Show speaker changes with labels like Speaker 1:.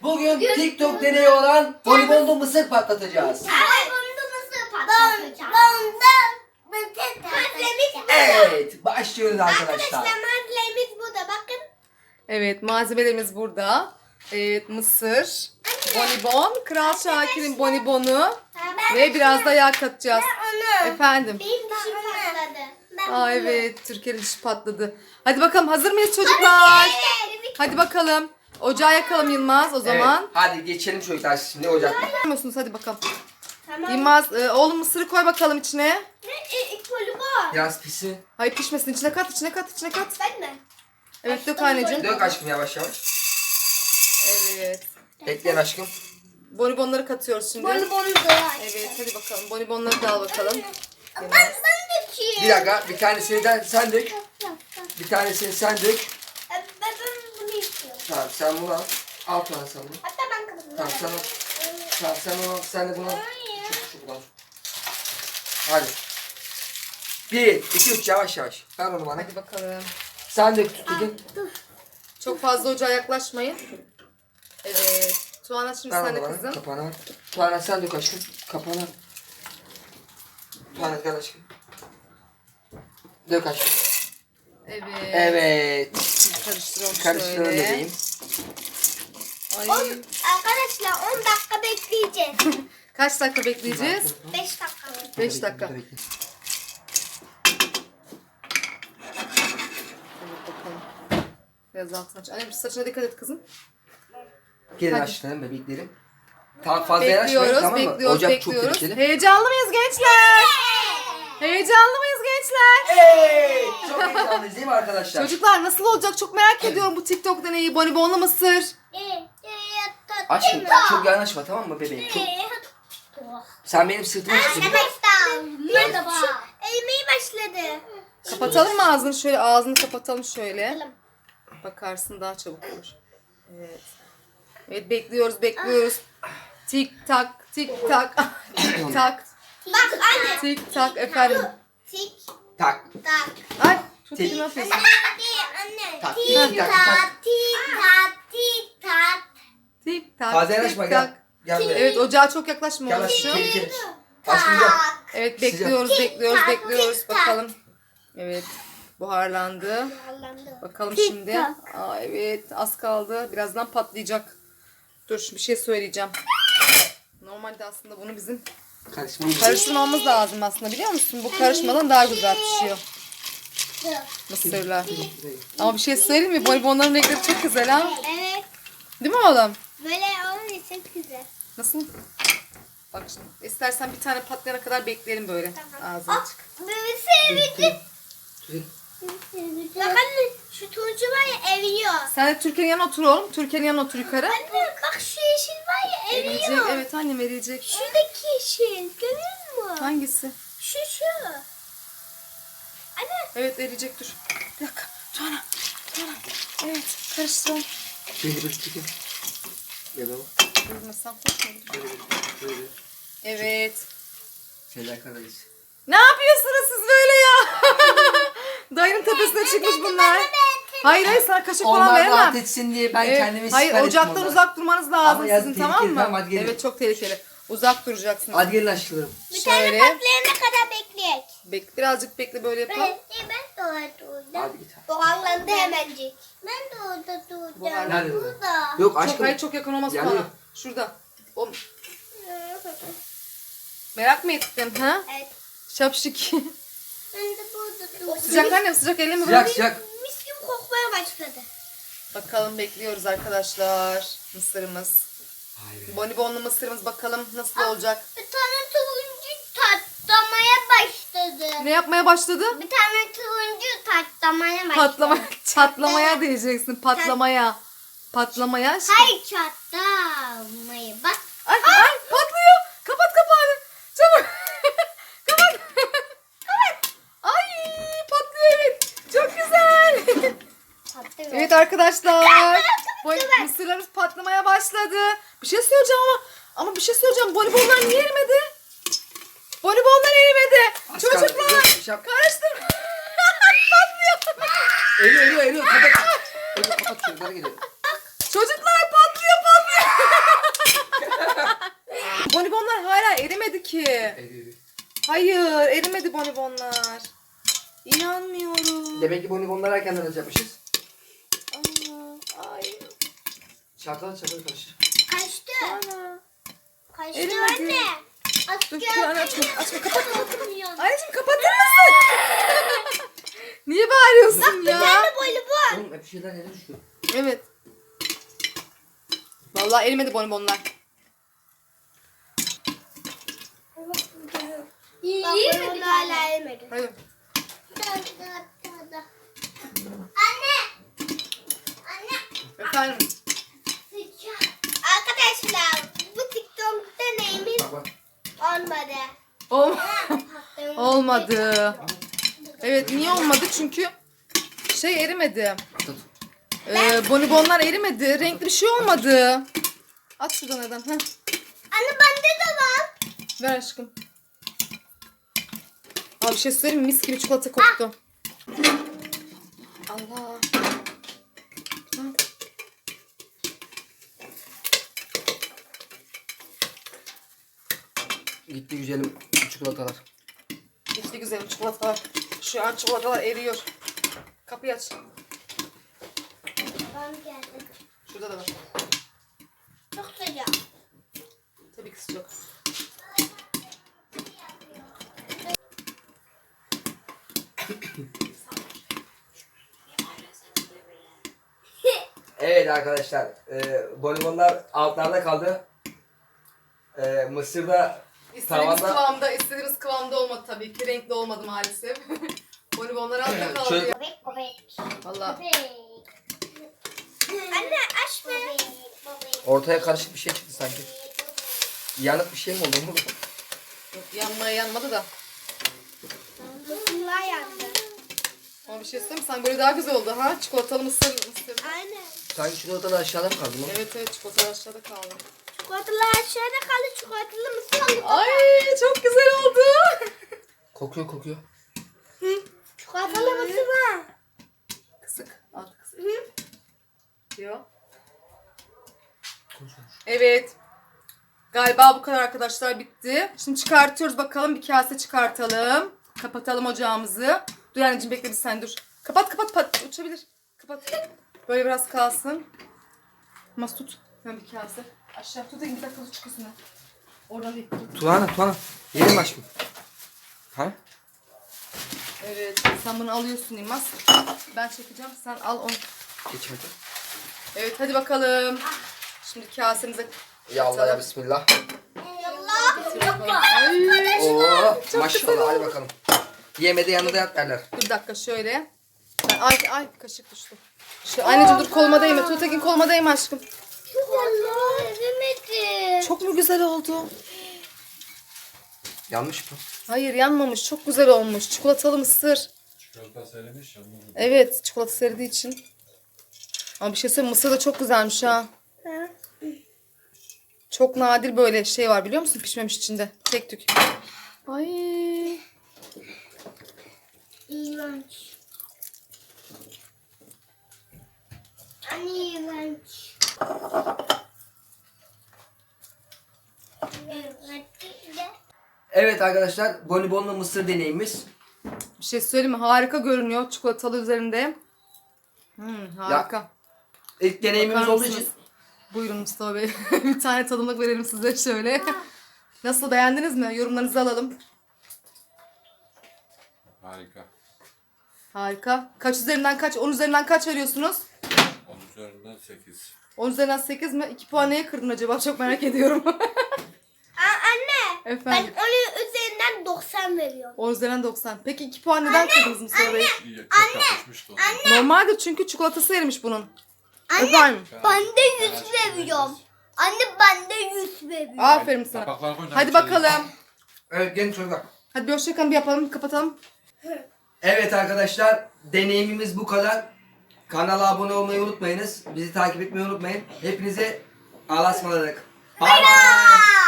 Speaker 1: Bugün TikTok deneyi olan bonibonlu mısır patlatacağız. Evet, başlıyoruz arkadaşlar.
Speaker 2: Malzememiz burada bakın.
Speaker 3: Evet, malzemelerimiz burada. Evet, mısır, bonibon, Kral Şakir'in bonibonu ve biraz da yağ katacağız. Efendim.
Speaker 2: Benim dişim patladı.
Speaker 3: Aa evet, Türkiye'nin dişi patladı. Hadi bakalım, hazır mıyız çocuklar? Hadi bakalım. Ocağı yakalım Yılmaz o zaman.
Speaker 1: Evet, hadi geçelim çocuklar şimdi ocakta.
Speaker 3: Musunuz? Hadi bakalım.
Speaker 2: Tamam.
Speaker 3: Yılmaz, oğlum mısırı koy bakalım içine.
Speaker 2: Kolu var.
Speaker 1: Biraz pisi.
Speaker 3: Hayır pişmesin, içine kat, içine kat, içine kat.
Speaker 2: Ben mi?
Speaker 3: Evet, dök anneciğim.
Speaker 1: Dök aşkım yavaş yavaş.
Speaker 3: Evet.
Speaker 1: Bekleyin aşkım.
Speaker 3: Bonibonları katıyoruz şimdi.
Speaker 2: Bonibonu da
Speaker 3: Evet, hadi bakalım. Bonibonları da al bakalım.
Speaker 2: Ben dökeyim.
Speaker 1: Bir dakika, bir tanesini de sen dök. Bir tanesini sen dök.
Speaker 2: Ben bunu istiyorum.
Speaker 1: Tamam, sen bunu al. Al Tuğan sen bunu.
Speaker 2: Hatta ben kırmızı.
Speaker 1: Tamam, sen al. Tamam, sen onu al. Sen de bunu al. Çok al. Hadi. 1, 2, 3 yavaş yavaş. Ver onu bana.
Speaker 3: Hadi bakalım.
Speaker 1: Sen dök tutun.
Speaker 3: Çok fazla ocağa yaklaşmayın. Evet. Tuana şimdi
Speaker 1: Ver
Speaker 3: sen
Speaker 1: onu
Speaker 3: de
Speaker 1: bana.
Speaker 3: kızım.
Speaker 1: Kapağını ver. Tuğan sen dök aşkım. Kapağını. Tuğan gel aşkım. Dök aşkım.
Speaker 3: Evet.
Speaker 1: Evet.
Speaker 3: Karıştıralım
Speaker 1: Karıştıralım
Speaker 3: şöyle.
Speaker 1: bebeğim.
Speaker 3: Ay.
Speaker 2: Arkadaşlar 10 dakika bekleyeceğiz.
Speaker 3: Kaç dakika bekleyeceğiz?
Speaker 2: 5 dakika.
Speaker 3: 5 dakika.
Speaker 1: Bekle, bekle.
Speaker 3: Evet bakalım. Biraz altına aç. Annem saçına dikkat et kızım.
Speaker 1: Gelin
Speaker 3: Hadi.
Speaker 1: aşkım bebeklerim. Tamam fazla yanaşmayın
Speaker 3: Bekliyoruz,
Speaker 1: tamam mı?
Speaker 3: bekliyoruz,
Speaker 1: Ocak çok
Speaker 3: bekliyoruz.
Speaker 1: tehlikeli.
Speaker 3: Heyecanlı mıyız gençler? Heyecanlı mıyız gençler?
Speaker 1: Evet. Çok heyecanlıyız değil mi arkadaşlar?
Speaker 3: Çocuklar nasıl olacak çok merak ediyorum bu TikTok deneyi. Bonibonlu mısır.
Speaker 1: Aşkım çok yanaşma tamam mı bebeğim? Çok... Sen benim sırtıma çıktın.
Speaker 2: Arkadaşlar merhaba. Eğmeye başladı.
Speaker 3: Kapatalım mı ağzını şöyle? Ağzını kapatalım şöyle. Bakarsın daha çabuk olur. Evet. Evet bekliyoruz bekliyoruz. Tik tak tik tak tik tak
Speaker 2: Bak anne.
Speaker 3: tik tak efendim.
Speaker 2: Tik
Speaker 1: Tak.
Speaker 2: tak.
Speaker 3: Ay çok
Speaker 1: Tik.
Speaker 3: iyi ne yapıyorsun?
Speaker 2: Anne.
Speaker 1: Tak,
Speaker 2: Tik
Speaker 1: tik, tak, tak.
Speaker 2: tak tik tak tik tak.
Speaker 3: Tik tak
Speaker 1: Fazla
Speaker 3: tik
Speaker 1: yanaşma
Speaker 3: tak.
Speaker 1: gel. Gel buraya.
Speaker 3: Evet ocağa çok yaklaşma
Speaker 1: Gel
Speaker 3: oğlum.
Speaker 1: aşkım tehlikeli. Aşkım gel.
Speaker 3: Evet bekliyoruz bekliyoruz
Speaker 2: tak,
Speaker 3: bekliyoruz
Speaker 2: tik tak.
Speaker 3: bakalım. Evet buharlandı. Bakalım
Speaker 2: Tik
Speaker 3: şimdi.
Speaker 2: tak.
Speaker 3: Aa, evet az kaldı. Birazdan patlayacak. Dur bir şey söyleyeceğim. Normalde aslında bunu bizim karıştırmamız lazım aslında biliyor musun? Bu karışmadan daha güzel pişiyor mısırlar. Ama bir şey söyleyeyim mi? Bonibonların renkleri çok güzel ha.
Speaker 2: Evet.
Speaker 3: Değil mi oğlum?
Speaker 2: Böyle olunca çok güzel.
Speaker 3: Nasıl? Bak şimdi. İstersen bir tane patlayana kadar bekleyelim böyle. Ağzını açık.
Speaker 2: Bebesi Bak anne şu turuncu var ya eriyor.
Speaker 3: Sen de Türkiye'nin yanına otur oğlum. Türkiye'nin yanına otur yukarı.
Speaker 2: Anne bak şu yeşil var ya
Speaker 3: Eriyecek.
Speaker 2: eriyor.
Speaker 3: Evet annem eriyecek.
Speaker 2: Şuradaki yeşil görüyor musun?
Speaker 3: Hangisi?
Speaker 2: Şu. Anne.
Speaker 3: Evet eriyecek dur. Bir dakika. Tuana. Evet karıştıralım.
Speaker 1: Şimdi bir çıkın. Gel oğlum.
Speaker 3: Durmasam korkmadım.
Speaker 1: Böyle
Speaker 3: Evet.
Speaker 1: fedakardayız.
Speaker 3: Ne yapıyorsunuz siz böyle ya? Dayının tepesine çıkmış bunlar. Hayır sana kaşık falan
Speaker 1: Onlar
Speaker 3: veremem.
Speaker 1: rahat etsin diye ben
Speaker 3: Evet,
Speaker 1: kendimi
Speaker 3: hayır
Speaker 1: siper ettim
Speaker 3: ocaktan
Speaker 1: onlara.
Speaker 3: uzak durmanız lazım
Speaker 1: Ama yazın
Speaker 3: sizin tamam
Speaker 1: tehlikeli,
Speaker 3: mı?
Speaker 1: tamam, hadi gelin.
Speaker 3: Evet çok tehlikeli. Uzak duracaksınız.
Speaker 1: Hadi gelin aşklarım.
Speaker 2: Bir tane
Speaker 3: Şöyle.
Speaker 2: patlayana kadar bekleyek.
Speaker 3: Birazcık bekle böyle yapalım.
Speaker 2: Ben de orada
Speaker 1: Hadi git.
Speaker 2: Buharlandı hemencik. Ben de orada duracağım.
Speaker 1: Nerede?
Speaker 2: Burada.
Speaker 1: Yok
Speaker 3: Çok,
Speaker 1: aşkım.
Speaker 3: hayır çok yakın olmaz
Speaker 1: Yanıyor.
Speaker 3: bana. Şurada. O, merak mı ettin ha?
Speaker 2: Evet.
Speaker 3: Şapşik.
Speaker 2: Ben de burada duracağım.
Speaker 3: Sıcak annem sıcak elle mi
Speaker 1: Sıcak
Speaker 3: bırak?
Speaker 1: sıcak.
Speaker 2: Mis gibi kokmaya başladı.
Speaker 3: Bakalım bekliyoruz arkadaşlar. Mısırımız. Bonibonlu mısırımız bakalım nasıl olacak.
Speaker 2: Bir tane turuncu tatlamaya başladı.
Speaker 3: Ne yapmaya başladı?
Speaker 2: Bir tane turuncu tatlamaya başladı.
Speaker 3: Çatlamaya diyeceksin. Patlamaya. Patlamaya.
Speaker 2: Hayır çatlamayı. Bak.
Speaker 3: Ay patlıyor. Kapat kapağını. Çabuk. Kapat. Kapat. Ay patlıyor evet. Çok güzel.
Speaker 2: Patlıyor.
Speaker 3: Evet arkadaşlar. Mısırlarımız patlamaya başladı. Bir şey söyleyeceğim ama bir şey söyleyeceğim. Bonibonlar niye erimedi? Bonibonlar erimedi.
Speaker 1: Az kaldı.
Speaker 3: Çocuklar
Speaker 1: Yok, bir şey yap-
Speaker 3: karıştırma. Patlıyor.
Speaker 1: Eriyor. Kapat. Kapat çocuklara gidelim.
Speaker 3: Çocuklar patlıyor. Bonibonlar hala erimedi ki. Hayır, erimedi bonibonlar. İnanmıyorum.
Speaker 1: Demek ki bonibonları erkenden yapmışız.
Speaker 3: Aa, ay.
Speaker 1: Çalkala karıştır.
Speaker 2: Kaçtı.
Speaker 3: Ana.
Speaker 2: Kaçtı
Speaker 3: Erimedi.
Speaker 2: anne.
Speaker 3: Dur şu an açma. Açma kapat.
Speaker 2: Açmıyor.
Speaker 3: Anneciğim kapatır mısın? Niye bağırıyorsun ya?
Speaker 2: Nerede voleybol?
Speaker 1: Oğlum hep bir şeyler yere düşüyor.
Speaker 3: Evet. Vallahi erimedi bonibonlar.
Speaker 2: İyi mi bir hala elmedi.
Speaker 3: Hayır.
Speaker 2: Anne. Anne.
Speaker 3: Efendim.
Speaker 2: Arkadaşlar bu TikTok deneyimiz
Speaker 1: Bak bak.
Speaker 2: olmadı.
Speaker 3: Olmadı. Evet niye olmadı? Çünkü şey erimedi.
Speaker 1: Tut.
Speaker 3: Bonibonlar erimedi. Renkli bir şey olmadı. At şuradan neden. Heh.
Speaker 2: Anne bende de var.
Speaker 3: Ver aşkım. Abi bir şey söyleyeyim mi? Mis gibi çikolata koktu. Allah. Ha.
Speaker 1: Gitti güzelim çikolatalar.
Speaker 3: İşte güzel çikolatalar. Şu an çikolatalar eriyor. Kapıyı aç.
Speaker 2: Ben geldim.
Speaker 3: Şurada da var.
Speaker 2: Çok sıcak.
Speaker 3: Tabii ki sıcak.
Speaker 1: Evet arkadaşlar. Bonibonlar altlarda kaldı. Mısırda
Speaker 3: İstediğimiz
Speaker 1: tavanda.
Speaker 3: kıvamda, kıvamda olmadı tabii ki. Renkli olmadı maalesef. Bonibonlar altta kaldı
Speaker 1: Şöyle-
Speaker 3: ya.
Speaker 2: Bebek bebek.
Speaker 3: Vallahi.
Speaker 2: Anne aç be.
Speaker 1: Ortaya karışık bir şey çıktı sanki. Yanık bir şey mi oldu?
Speaker 3: Yok, yanmaya yanmadı da.
Speaker 2: Mısırlar yandı.
Speaker 3: Ama bir şey söyleyeyim mi? Sanki böyle daha güzel oldu ha. Çikolatalı mısır.
Speaker 2: Aynen.
Speaker 1: Sanki çikolata da aşağıda mı kaldı mı?
Speaker 3: Evet çikolata aşağıda kaldı.
Speaker 2: Çikolatalar aşağıda kaldı. Çikolatalı mısır aldık.
Speaker 3: Ay çok güzel oldu.
Speaker 1: Kokuyor.
Speaker 2: Çikolatalı mısır var.
Speaker 3: Kısık. Alt kısık. Yok. Evet. Galiba bu kadar arkadaşlar bitti. Şimdi çıkartıyoruz bakalım. Bir kase çıkartalım. Kapatalım ocağımızı. Dur anneciğim bekle bir sen dur. Kapat. Uçabilir. Kapat. Böyle biraz kalsın. Mas tut. Ben bir kase. Aşağı tutayım bir dakika çıkıyorsun. Oradan değil. Tut.
Speaker 1: Tuana. Yerim aşkım. Ha?
Speaker 3: Evet. Sen bunu alıyorsun İlmaz. Ben çekeceğim. Sen al onu.
Speaker 1: Geç hadi.
Speaker 3: Evet hadi bakalım. Şimdi kasemize
Speaker 1: Ya Allah ya bismillah.
Speaker 2: Yallah.
Speaker 3: Ay.
Speaker 1: Oo maşallah hadi bakalım. Yemede yanında yat derler.
Speaker 3: Dur bir dakika şöyle. Ay kaşık düştü. Anneciğim dur koluma değme. Tuğtekin koluma değme aşkım.
Speaker 2: Çikolatalı erimedi.
Speaker 3: Çok mu güzel oldu?
Speaker 1: Yanlış mı?
Speaker 3: Hayır yanmamış. Çok güzel olmuş. Çikolatalı mısır.
Speaker 4: Çikolata söylemiş ya.
Speaker 3: Evet çikolata serdiği için. Ama bir şey söyleyeyim mısır da çok güzelmiş ha. Çok nadir böyle şey var biliyor musun? Pişmemiş içinde. Tek tük. Ay.
Speaker 2: İğrenç. Anne iğrenç.
Speaker 1: Evet arkadaşlar bonibonlu mısır deneyimiz.
Speaker 3: Bir şey söyleyeyim mi? Harika görünüyor çikolatalı üzerinde. Harika.
Speaker 1: İlk deneyimimiz
Speaker 3: Bakar
Speaker 1: olduğu
Speaker 3: mısınız?
Speaker 1: için
Speaker 3: Buyurun Mustafa Bey. Bir tane tadımlık verelim size şöyle. Nasıl beğendiniz mi? Yorumlarınızı alalım.
Speaker 4: Harika.
Speaker 3: Harika. Kaç üzerinden kaç? 10 üzerinden kaç veriyorsunuz?
Speaker 4: 10 üzerinden 8.
Speaker 3: 10 üzerinden 8 mi? 2 puan neye kırdın acaba? Çok merak ediyorum.
Speaker 2: Anne. Ben
Speaker 3: Efendim.
Speaker 2: onun üzerinden 90 veriyorum.
Speaker 3: 10 üzerinden 90. Peki 2 puan neden kırdınız Mustafa Bey?
Speaker 4: İyi, çok yakışmıştı ona.
Speaker 3: Normaldir çünkü çikolatası erimiş bunun.
Speaker 2: Anne.
Speaker 3: Efendim.
Speaker 2: Ben de 100 veriyorum. Anne ben de 100 veriyorum.
Speaker 3: Aferin sana.
Speaker 4: Kapakları koy,
Speaker 3: Hadi
Speaker 4: içeri.
Speaker 3: bakalım.
Speaker 1: evet gelin çocuklar.
Speaker 3: Hadi bir hoşçakalın bir yapalım. Kapatalım.
Speaker 1: Evet arkadaşlar deneyimimiz bu kadar. Kanala abone olmayı unutmayınız. Bizi takip etmeyi unutmayın. Hepinize Allah'a ısmarladık. Bye bye.